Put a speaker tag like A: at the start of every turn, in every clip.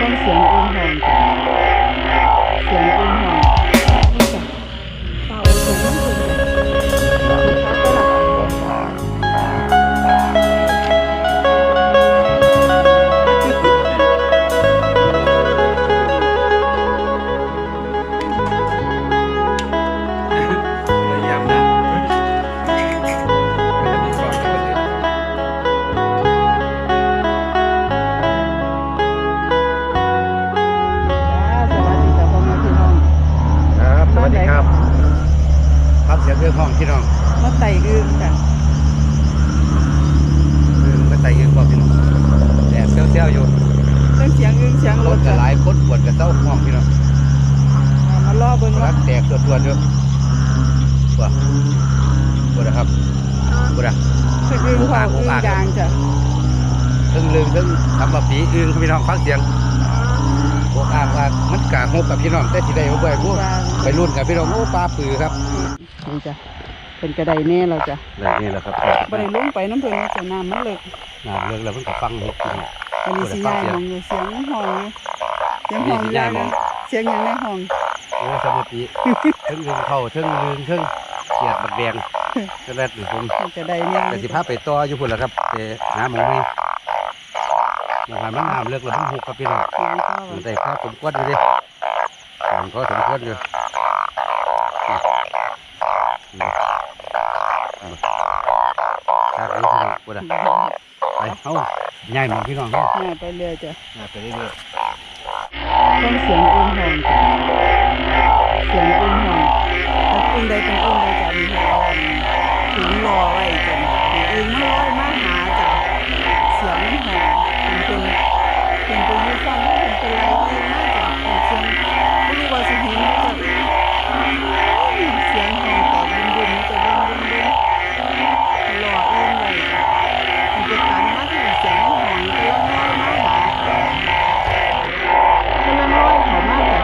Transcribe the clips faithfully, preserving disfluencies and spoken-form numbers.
A: ฟังเสียงอึ่งหองจ้ะเสียงอึ่งหองนี่จ้ะเป่าถึงนั่นเลย
B: เสียงเรื่องห้องพี่น้อง
A: มาไต่อึ่งจ้ะ
B: อึ่งมาไต่อึ่งบอกพี่น้องแดดเซี่ยวๆอยู่
A: เรื่องเสียงอึ่งเสียงรถ
B: จะหลายคนปวดกับเต้าห้องพี่น้อง
A: มาล่อเบิ้ง
B: รักแตกตัวตัวเดียวปวดปวดนะครับปวดอ่ะ
A: คืออึ่งหองอึ่งยางจ้ะ
B: ตึงลืมตึงทำแบบปีอึ่งพี่น้องฟังเสียงโอ้อ้างว่ามันกางงกับพี่น้องแต่ที่ใดเขาบ่อยพวกไปรุ่นกับพี่น้องโอ้ปลาปือครับ
A: นี่จ้ะเป็นกระไดแน่เราจ้ะ
B: นี่แหละครับ
A: บริลุ่งไปน้ำเพลินจะน้ำมันเลิก
B: น้ำเลิกแล้วเพิ่งกับฟังเห็ด
A: อันนี้สียายมองอยู่เสียงห้องเสียงห้องยางเสียงยังในห้อง
B: โอ้สมาธิเทิงลืมเข้าเทิงลืมเทิงเกียดบักแดงจะแรดหรือผม
A: กระไดแน่
B: แต่สิพาไปต่ออยู่พุ่นแหละครับแต่น้ำมันมีอย่างไรมันน้ำเลิกแล้วมันหุบครับพี่น้องมันได้ข้าวสมควรอยู่ดิผมก็สมควรอยู่ทางนี้พี่น้องปวดอ่ะไปเอาใหญ่หมดพี่น้องเขา
A: ง่ายไปเรื่อยจ้ะ
B: ง่ายไปเรื่อย
A: ๆต้องเสียงอึ่งหองจ้ะเสียงอึ่งหองถ้าอึ่งใดเป็นอึ่งใดจะมีหัวถึงรอไว้จ้ะอึ่งมันลอยมาหาจ้ะเสียงหองเป็นเป็นเป็นตัวยูฟังเป็นเป็นไรอึ่งมากจ้ะเสียงไม่รู้ว่าสิเห็นจ้ะเสียงหองแต่บุ้มบุ้มจะบุ้มบุ้มบุ้มรออึ่งเลยจ้ะมันจะตันมากที่เสียงหองก็ลอยมาหาก็ลอยเขามากจ้ะ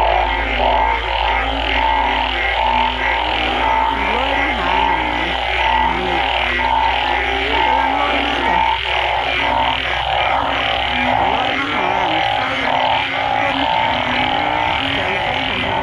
A: ลอยมาหานี่กำลังลอยมาจ้ะลอยมาหาใส่คนใจคนของเรา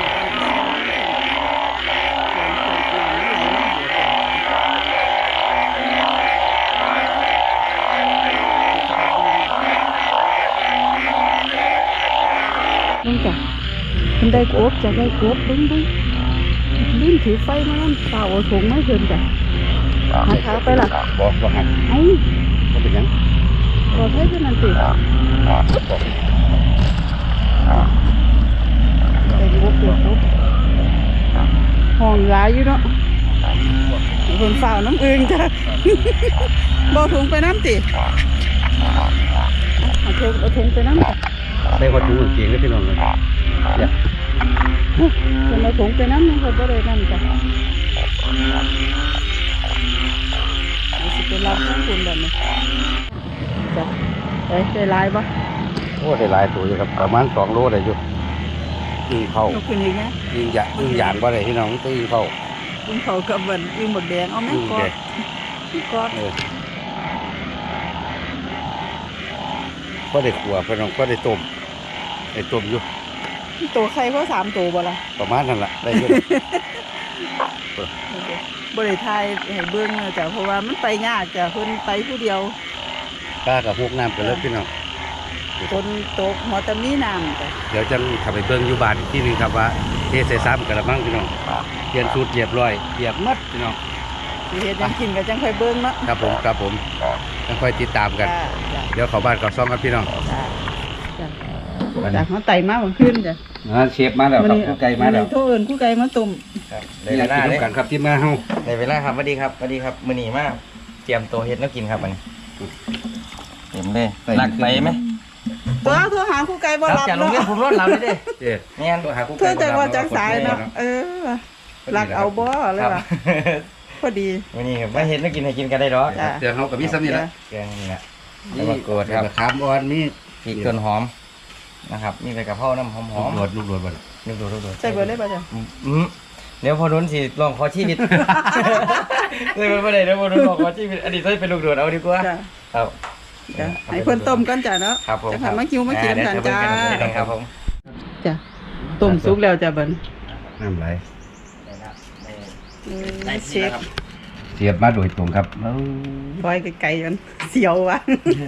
A: ลุงจ้ะมันได้กบจะได้กบลุงลุงลุงถือไฟมานั่นเปล่าเอาถุงไม่เพิ่มจ้ะหาเท้าไปล่ะ
B: บอกบอกหัก
A: ไอ้
B: ก็เป็นยัง
A: บอกให้เพื่อนนั่นสิได้กบเดือดกบห้องร้ายอยู่เนาะคนเฝ้าน้ำอึ่งจ้ะบอกถุงไปน้ำสิเอาถุงเอาถุงไปน้ำจ้ะ
B: ได้วัตถุเก่งได้พี่น้องเลยเนี่ย
A: คนเอาถุงไปน้ำเขาก็เลยนั่นจ้ะนี่สิเป็นลำข้างคุณแบบนี้จ้ะได้ได้ลายปะ
B: โอ้ได้หลายตัวอยู่ครับประมาณสองโลได้อยู่ยิงเข้า
A: ยิงไง
B: ยิงหยายิงหยางว่าไรพี่น้องก็ยิงเข้า
A: ยิงเข้ากับเหมือนยิงหมดแดงเอาไหมกอดกอด
B: ก็ได้ขัวพี่น้องก็ได้ต้มได้ต้มอยู่
A: ตัวใครเขาสามตัวบ่ละ
B: ประมาณนั้นแหละได้อยู่
A: บริไทยให้เบื้องจ้ะเพราะว่ามันไปยากจ้ะคนไปผู้เดียว
B: กล้ากับพวกน้ำกันแล้วพี่น้อง
A: คนโตหัวตะมีน้ำจ้ะ
B: เดี๋ยวจะขับไปเบื้องอยู่บ้านที่นึงครับว่าเทใส่ซ้ำกันละมั้งพี่น้องเปลี่ยนสูตรเรียบร้อยเรียบมัดพี่น้อง
A: เฮ็ดยังกินกันจังค่อยเบื้องเนาะ
B: ครับผมครับผมจังค่อยติดตามกันเดี๋ยวเข้าบ้านเข้าซ่องกันพี่น้อง
A: จ้ะเขาไต่มาวันขึ้นจ้ะ
B: เชฟมาแล้วครับคู่ไก่มาแล้ว
A: โทษเอิญคู่ไก่มาตุ่ม
B: ได้เวลาเลยกันครับที่มาเฮา
C: ได้เวลาครับสวัสดีครับสวัสดีครับมื้อนี้มาเตรียมตัวเฮ็ดแล้วกินครับอันนี้เต็มเลยหลักไปไหม
A: ตัวโทรหาคู่ไก่บ่รับ
C: เนาะจากโรงเรียนผมรถเราเลยเด้
A: แม่นเธอจะว่าจากสายเนาะเออหลักเอาบ่เลยว่ะพอดี
C: มื้อนี้ครับมาเฮ็ดแล้วกินให้กินกันได้ดอก
B: เดี๋ยวเฮาก็มีซ้ำนี่แหละ
C: แกงนี่แหละ
B: นี่มะกรูดครับขามอ่อนมี
C: พริกต้นหอมนะครับมีใบกะเพราน้ำหอมหอม
B: ลูกโดดลูกโดดบ่
C: ลูกโดดลูกโดด
A: ใส่เบอร์ได้ป่ะจ๊ะ
C: อืมเดี๋ยวพอนุ้นสิลองขอชีวิตเลยไม่ได้เดี๋ยวพอนุ้นลองขอชีวิตอันนี้ต้องเป็นลูกโดดเอาดีกว่าครับ
A: จ้ะให้เพิ่นต้มกันจ้ะเนาะ
C: ครับผม
A: จะค่ะมาคิวมากินน้ำกันจ้า
C: ครับผม
A: จ้ะต้มสุกแล้วจ้ะเบิ่น
B: น้ำไหล
A: เออเชฟ
B: เสียบมาโดยตรงครับ
A: ปล่อยไกลๆกันเสียวว่ะ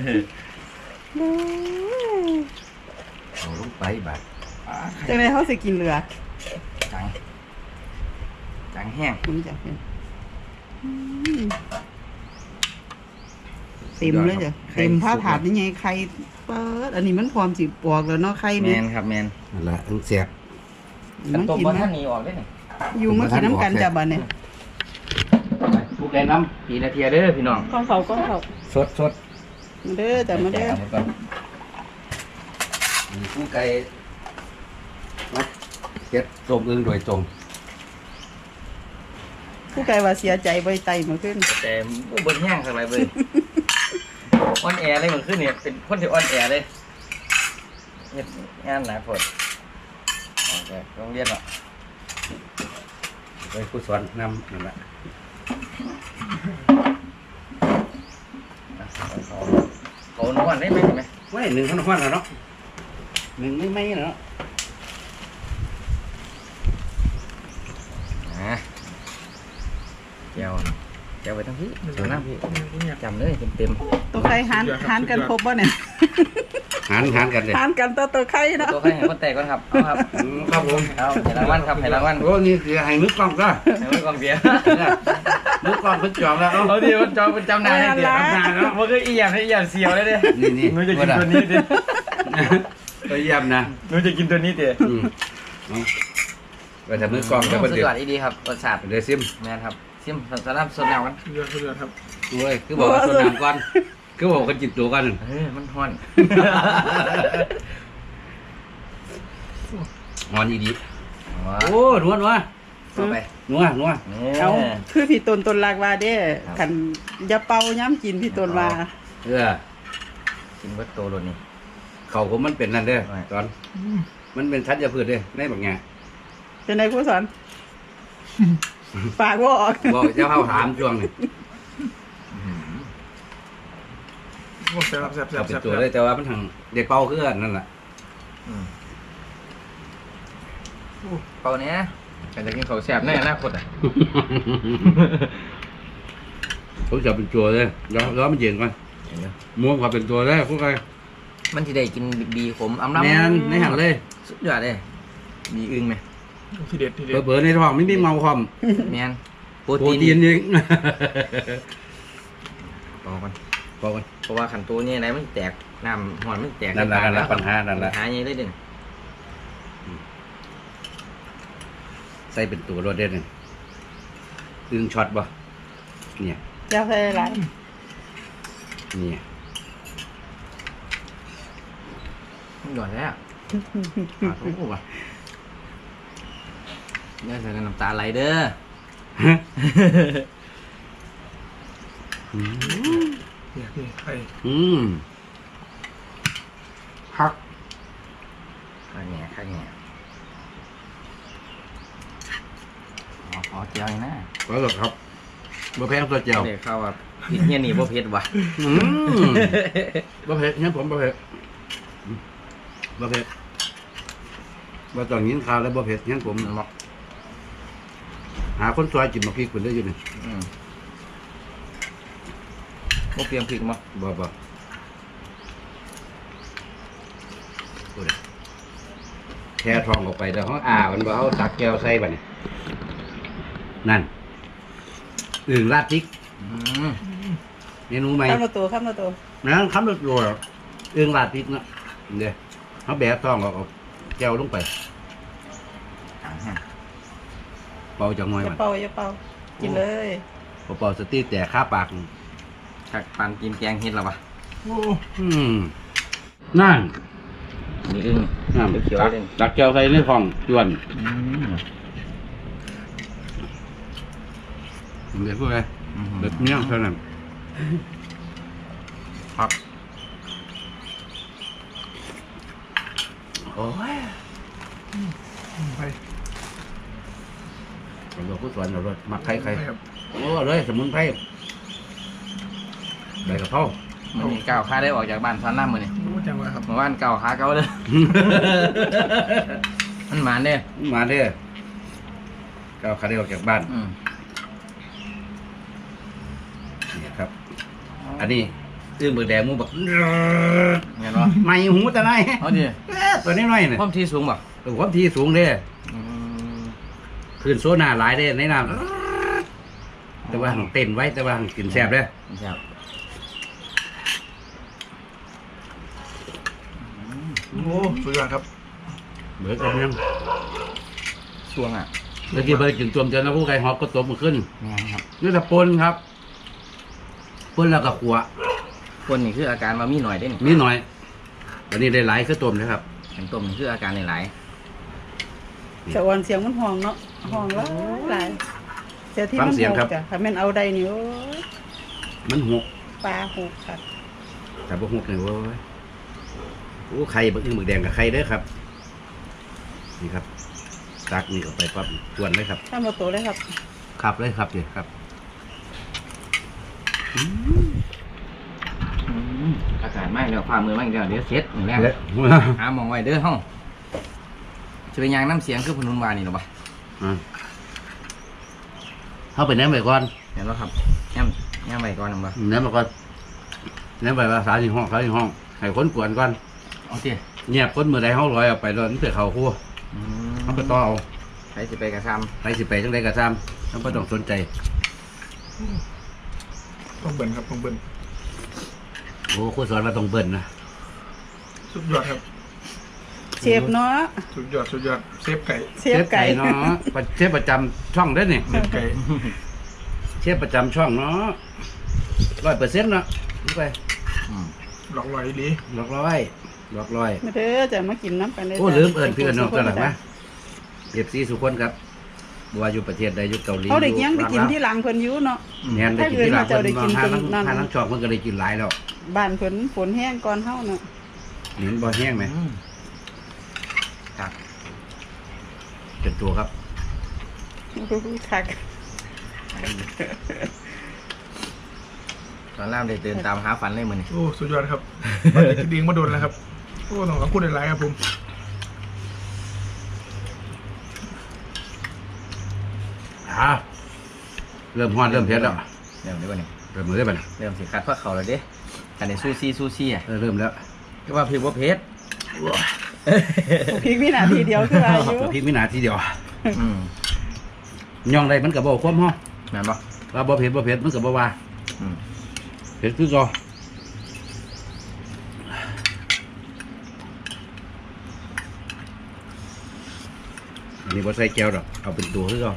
B: เอาลงไปบาด
A: จังได๋เฮาสิกินเรือ
C: จังจังแห้ง
A: มันจะเป็นอืมเต็มเลยจ้ะเต็มผ้าถาดนี่ไงไข่เปิดอันนี้มันพร้อมสิปอกแล้วเนาะไข่
C: แม
A: นี่
C: นครับแมน
B: นั่นละอันเสียบ
C: กัน
A: มา
C: ต้ม
A: กิน
C: บ่
A: นะ
C: ท่านนี้ออกได้นี่
A: อยู่มากินน้ำกันจ้ะบัดเนี่ย
B: ผู้ใดน้
C: ปีนาทีเด้อพี่น้อง
A: ข้าวเขาก็เขา
B: ำสดสด
A: มาเด้อจ้ะมาเด้อ
C: แจกหมดก่อน
B: ผู้ไก่มาเก็บส้มอึ่งโดยตรง
A: ผู้ไกลว่าเสียใจบ่ไตมาขึ้น
C: แต่บ่เบิ่งแห้งสักไรเบิ่งอ่อนแอเลยมันขึ้นเนี่ยเป็นคนที่อ่อนแอเลยเฮ็ดงานหนักโพดออกจากโรงเรียนเนาะ
B: ไปผู้สอนนำนั่นแหละ
C: เขาเขานวดได้ไหมไหม
B: ไว้หนึ่งขนมหวานแล้วเนาะหนึ่งไม่ไม่เนาะ
C: อ่าเจียวเจียวไปทั้งพี่เจียวน้ำพี่จำเลยเต็ม
A: ตัวไข่หานหานกันครบบ่เนี่ย
B: หารหารกันเลย
A: หานกันตัวตัวไข่เนาะ
C: ๆตัวใครให้คนแตกก่อนครับเอาครับ
B: อืมครับผม
C: เอาให้รางวัลครับให้รางวัล
B: โอ้นี่คือให้มือกล้องก็
C: ให้ไว้กองเบียร์
B: มือกล้องเพิ่งจองแล้ว
C: เอาดิมันจองเป็นจำนายให้เดียวจำนายแล้วมันก็อีหยังให้อีหยังเสียวเลยเด้
B: นี่นี่
C: หนูจะกินตัวนี้ดิ
B: ไปเยี่ยมนะ
C: หนูจะกินตัวนี้ดิ
B: อืมเอาไปทำมือกล้องแล้ว
C: สุ
B: ก็
C: ด
B: เดื
C: ย
B: อ
C: อ
B: ด
C: ดอีดีครับรสชาติ
B: เดี๋ยวซิม
C: แม่นครับซิมสลับสดแนวกัน
D: เรือเรือครับ
B: โอ้ยคือบอกว่าส่วนน้ำก่อนคือบอกกันจิตตัวกัน
C: เฮ้ยมันฮ้อน
B: หอนอีดี
C: ว้า
B: โอ้นัวนัว
C: ต่อไป
B: นัวนัว
C: นี่
A: เอาคือพี่ตนตนลากว่าเด้คันอย่าเป่าย้ำกินพี่ตนว่า
B: เออ
C: กินเบิดโตโลนี่
B: เขาผมมันเป็นนั่นเด้อ
C: ไม่
B: ตอน มันเป็นทัดยาพืชเด้อในบางแง่
A: เป็นไงครูสอนฝากว่าออก
B: บอกเจ้าเข้าถามช่วงนี้
D: โอ้แซ่บแซ่บแซ่
B: เอา
D: บ
B: เป็น
D: แซ่บ
B: ตัวเลยแต่ว่ามันทางเด็กเป่าคือกันนั่นแหละ
C: อืมเปล่าเนี้ยการจะกินข้าวแซ่บในอนาคตอ่ะ
B: ผมจะเป็นตัวเลยแล้วแล้วมันเย็นก่อนม้วนความเป็นตัวเลยพวกใคร
C: มันที่ได้กินบีขมอำลำ
B: แมนในหันเลย
C: สุดยอดเลยบีอึ้งไหม
D: ทีเด็ดทีเด็ด
B: เบอร์ในท้องไม่มีเมาความ
C: แมนโปร
B: โปร
C: ตีน
B: ตีนยิง
C: เปล่ากัน
B: บอกกัน
C: เพราะว่าขันตัวนี้ไหนมันแตกน้ำหอนมันแตก
B: นั่นแหละนั่นแหละปัญหานั่นแหละ
C: ปัญหาใหญ่เลยเด่น
B: ใส่เป็นตัวรถเด่นเลยดึงช็อตบ่เนี่ย
A: จะใส่อะไร
B: เนี่ย
C: มันหย่อนแล้วขาดโอ้โหว่ะเนี่ยใส่น้ำตาไหลเด้อ
B: อืม
D: นี่นี่ไข่
B: อืมฮัก
C: ข้างแง่ข้างแง่ขอขอเจียวหน่อยนะ
B: ก็หรอกครับบ่แพงตัวเจียว
C: เดี๋ยวเข้าว่าผิดเนี่ยหนีบ่เผ็ดว่ะ
B: อืมบ่เผ็ดงั้นผมบ่เผ็ดอืมบ่เผ็ดบ่ต้องยินข่าวแล้วบ่เผ็ดงั้นผม
C: มันบอก
B: หาคนซอยกินมาพริกเพิ่นได้อยู่นี่
C: อืมบ่เปรียมพริกมั้ง
B: บ่บ่โอ้ยแค่ทองออกไปแล้วเขาอ่ามันบ่เอาตักแก้วใส่บัดนี้นั่นอึ่งราดพริก
C: อืม
B: เมนูใหม่
A: ข้ามมาตัวข้ามมาตัว
B: นะคำรสโรยอึ่งราดพริกเนาะเดี๋ยวเขาแบะทองออกเอาแก้วลงไป
C: อ่าฮะ
B: เป่าจังหน่อย
A: อย่า
B: มัน
A: เป่าอย่าเป่ากินเลย
B: พอเป่าสตีแต่ข้าปาก
C: จากปานกินแกงเฮ็ดแล้ววะ
D: โอ้
B: อืมนั่น
C: มีอึ้ง
B: น้ำ
C: เขียว
B: ตัก
C: ๆเลย
B: ตักแก้วใส่ในฟองจวน
C: อืม
B: เดี๋ยวพูดไป
C: อืม
B: เด็ดเมี่ยงเท่านั้น
C: ครับ
B: โอ้ย
D: ไข่
B: ผมบอกผู้สอนเรารสมักไข่ไข่
D: ครับ
B: โอ้เลยสมุนไพรใบกระเพรา
D: อ
C: มันมีก้าวขาได้ออกจากบ้านซ้อนน้ำมือนี่
D: โอ้จังหวะครับ
C: เมื่อวานก้าวขาเก่าเลย มันหมานเด้
B: มาเด้อก็เอาขาได้ออกจากบ้าน
C: อืม
B: นี่ครับ อันนี้ตื้อมือแดงมูแบบ
C: เห็นปะ
B: ไม่หูแต่ไหน
C: เอาดิ
B: เอ๊ะตัวนี้น้อยเนี่ย
C: ความที่สูงป่ะ
B: ตัวความที่สูงเด้
C: อืม
B: พื้นโซน่าหลายเด้ในน้ำแต่ว่าหังเต้นไว้แต่ว่าหังกินแซ่บเด้อ
C: ครับ
D: โอ้สุดยอดครับ
B: เบิร์ดกับยัง
C: ช่วงอ่ะ
B: เมื่อกี้เบิร์ดกินตัวมเจนแล้วผู้ไก่ฮอกก็ตบมันขึ้น
C: แม่นครับ
B: นี่แต่ปนครับปนแล้วก็ขัว
C: คนนี่คืออาการมามีหน่อยได้นี่
B: นิดหน่อยวันนี้ได้หลายคือต้มนะครับ
C: เห็นต้มนี่คืออาการหลาย
A: สะออนเสียงมันห้องเนาะห้องหลายหลายเสียที่มันหกจ้ะถ้าแม่นเอาใดนี่โอ้ย
B: มันหก
A: ปลาหกค่ะ
B: แต่บ่หกเนี่ยเว้ยโอ้ไข่บักอึ่งบักแดงกับไข่เด้อครับ นี่ครับตักนี่ก็ไปปั๊บจวนเลยครับ
A: ถ้ามาโตเลยครับ
B: ขับเลยครับเดี๋ยวครับ
C: ๆอืมอากาศไหม้แล้วฝ่ามือไหม้แล้วเดี๋ยวเช็ดอย่างแรก
B: เละ
C: หาหมองไว้เด้อห้องจะเป็นยางน้ำเสียงคือพนุนวานี่หรอปะ
B: อ่ะเข้าไปแหนมไปก่อน
C: เห็นแล้วครับย่ำย่ำไว้ก่อนหรือเปล่า
B: แหนมไปก่อนแหนมไปว่าสาสี่ห้องสาสี่ห้อง ให้คนกวนก่อน
C: เอาเตี้ย
B: เงียบคนมือใดเขาลอยออกไปแล้วนี่เสือเขาคั่วเขาก็ต่อเอา
C: ใครจะไปกระซ
B: ไปสิไปจังใดก็ตามเขาก็ต้องสนใจ
D: ต้องเบิ่นครับต้องเบิ่น
B: โอ้ครูสอนว่าต้องเบิ่นนะ
D: สุดยอดครับ
A: เชฟเนาะ
D: สุดยอดสุดยอดเซฟไก่
A: เชฟไก่
B: เนาะเชฟประจำช่องได้อนี่
D: เซฟไก่
B: เชฟประจำช่องเนาะร้อยเปอร์เซ็นต์เนาะดูไป
C: ำอืม
D: หลอกลอยดี
B: หลอกร้อยหลอกร้อย
A: มาเด้อจะมากินน้ำกันเลย
B: โอ้
A: จ้ะ
B: ลืมเอิญพี่เอิญน้องตลอดนะเอฟซีสุคนครับบัวาอยู่ประเทศใดอยู่เกาหลี
A: เอาเด็กยังไปกิน
B: อยู่
A: ที่หลังเพิ่นอยู่เนาะ
B: เนี่ยได้กินที่หลัง
A: ถ้าเกิดว่าเจ้าได้กิน
B: ห้าทั้ง
A: ตรงนั้น
B: ห้าทั้งช่องมันก็ได้กินหลายแล้ว
A: บ้านเพิ่นฝนแห้งก่อนเฮาเนาะ
B: เห็นบ่แห้งไหม
C: อืมครับ
B: เป็นตัวครับ
A: คัก
C: ตอนแรกได้เดินตามหาฝันเลยมือนี่
D: โอ้สุดยอดครับมันจะดิ้งมาโดนแล้วครับโอ้ต้องขอบคุณหลายๆครับผม
B: อ่าเริ่มฮ้อนเริ่มเผ็ดแล้ว
C: เริ่มได้ป่ะเนี่ย
B: เริ่มมือได้ป่ะ
C: เริ่มสิคัดพวกเขาแล้วเด้กันในซูซี่ซูซี่อ่ะ
B: เออเริ่มแล้ว
C: ก็ว่าพี่ว่าเพชร
A: พริกวินาทีเดียวคืออายุ
B: พริกมินาทีเดียว
C: อืม
B: ย่องใดมันก็บ่ความฮ้อ
C: แม่นปะ
B: ว่าบ่เผ็ดบ่เผ็ดมันก็บ่ว่า
C: อืม
B: เผ็ดคือก็อันนี้บ่ใส่แก้วดอกเอาเป็นตัวคือก็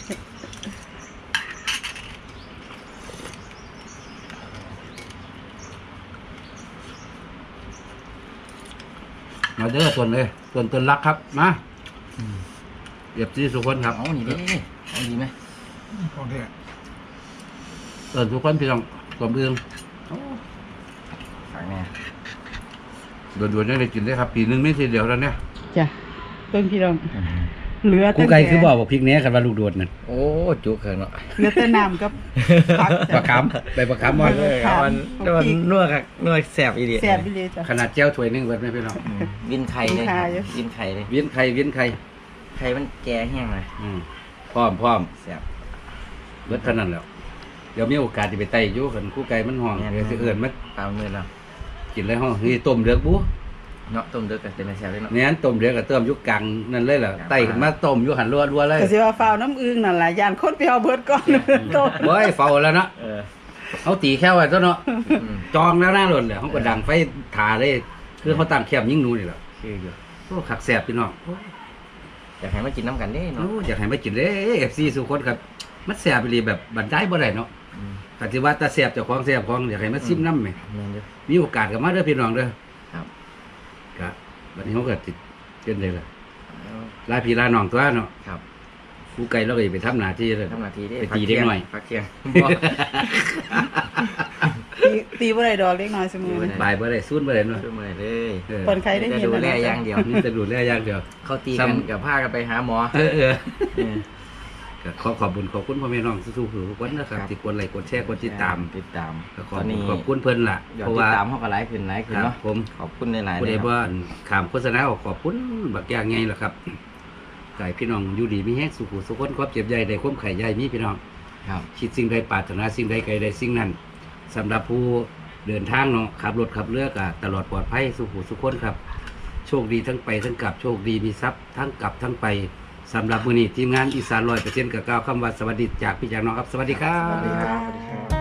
B: มาเด้อส่วนเลยส่วนต้นรักครับมาเรียบซีสุคนครับ
C: เอานี่ดิเอาดีไหม
D: ของแท้
B: เอิญทุกคนพี่น้องกลมเอือง
C: ฝากแน่
B: ด่วนๆได้กินได้ครับ ปีนึงไม่ทีเดียวแล้วเนี่ย
A: จ้ะเพิ่นพี่น้องเหลือ
B: กู
A: แต่
B: ไก่คือบอกว่าพริกเนี้ยกันว่าลูกโดดนั่น
C: โอ้จุกเขินเนาะ
A: เหลือแต่น้ำกับผัก
B: ปลาคำไปปลาคำมอน
C: เออมันมันนัวกับนัวแสบอีดี
A: แซ่บไปเลยจ้ะ
B: ขนาดแจ้วถ้วยหนึงเบิดไหมพี่น้อง
C: อืมวินไข่เลย
A: วินไข่อยู่
C: วินไข่เลย
B: เวียนไข่เวียนไข่
C: ไข่มันแก่แห้งเลย
B: อืมพร้อมพร้อม
C: แสบ
B: เบิดเท่านั้นแล้วเดี๋ยวมีโอกาสจะไปไต่อยู่กันคู่ไก่มันห้อง
C: แม่น
B: เดี๋ยวสิเอื่นมัน
C: ตามมือแล้ว
B: กินเลยห้องนี่ต้มเดือกบุ
C: เนาะต้มเดือดกันเป็นแสบเลยเนาะ
B: เนี่ยต้มเดือกกับเติมอยุกกลางนั่นเลยเหรอไต่ขึ้นมาต้มอยุหันรัวรัวๆเลย
A: ก็สิว่าฟ้าวน้ำอึ้งนั่นล่ะย่านคนไปเอาเบิดก่อนโต
B: เบ้ยเฝ้าแล้วเนาะ
C: เออ
B: เขาตีแค่ไว้ซะเนาะ
C: อืม
B: จองแล้วหน้าหล่นเลยเขาก็ดังไฟถาเลยคือเขาตั้งแคบยิ่งหนูนี่แหละ
C: คืออยู่
B: โอ้ขักแสบพี่น้อง
C: อยากให้มากินน้ำกันเด้
B: โอ้
C: เนาะ
B: อยากให้มากินเด้เอฟซีสุคนครับมันแสบไปเลยแบบบันไดบ่ได้เนาะ
C: อืม
B: ปฏิวัติตาแสบเจ้าของแสบของอยากให้มาซิมน้ำไหม
C: แม่นอยู่
B: มีโอกาสก็มาเด้อพี่น้องเด้อ
C: ครับ
B: ก็วันนี้เขาก็ติดเกินเลยล่ะ
C: เอา
B: ลาพี่ลาน้องตัวเนาะ
C: ครับ
B: ผู้ไกลเราก็อย่าไปทำหน้าที่เลย
C: ทำนาทีได้
B: ไปตีเด็กหน่อย
C: พักเที่ยง
A: ตีตีบ่ได้ดอกเล็กน้อยเสมอ
C: ตีบ่
A: นะ
C: ได้
B: บายบ่ได้สู้บ่ได้เนาะ
C: ช่วยมาเลย
B: เออ
A: คนใครได้ยิน
C: ดู
A: นะ
C: แล
A: เนาะ
C: อย่างเดียว
B: นี่จะดูแลอย่างเดียว
C: เขาตีกันกับผ้ากันไปหาหมอ
B: เออเออ
C: เออ
B: ก็ขอขอบคุณขอบคุณพ่อแม่น้องสู้ๆทุกคนนะครับที่กดไลค์กดแชร์กดติดตาม
C: ติดตาม
B: ก็ข
C: ต
B: อบ
C: อน
B: คุณ
C: นี้
B: ขอบคุณเพิ่นล่ะ
C: ยอ
B: เพ
C: ด
B: ราะ
C: ติ
B: ว่า
C: ดตามเขาก็หลายขึ้นหลายขึ้น
B: ครับ
C: เนาะ
B: ผม
C: ขอบคุณหลายๆ
B: ผู้
C: เล
B: ใด
C: ยครับ
B: ว่าขามโฆษณาออกขอบคุณบักอย่างไงล่ะครับไก่พี่น้องอยู่ดีมีแห้งสุขุสุขคนความเจ็บใหญ่ได้ความไข่ใหญ่มีพี่น้อง
C: ครับ
B: คิดสิ่งใดปรารถนาสิ่งใดไกลใดสิ่งนั้นสำหรับผู้เดินทางเนาะขับรถขับเรือก็ตลอดปลอดภัยสุขุสุขคนครับ โชคดีทั้งไปทั้งกลับโชคดีมีทรัพย์ทั้งกลับทั้งไปสำหรับมื้อนี้ทีมงานอีสานร้อยเปอร์เซ็นต์กับก้าวคำว่าสวัสดีจากพี่จากน้องครับสวัสดีครับ
A: สวัสดีครับ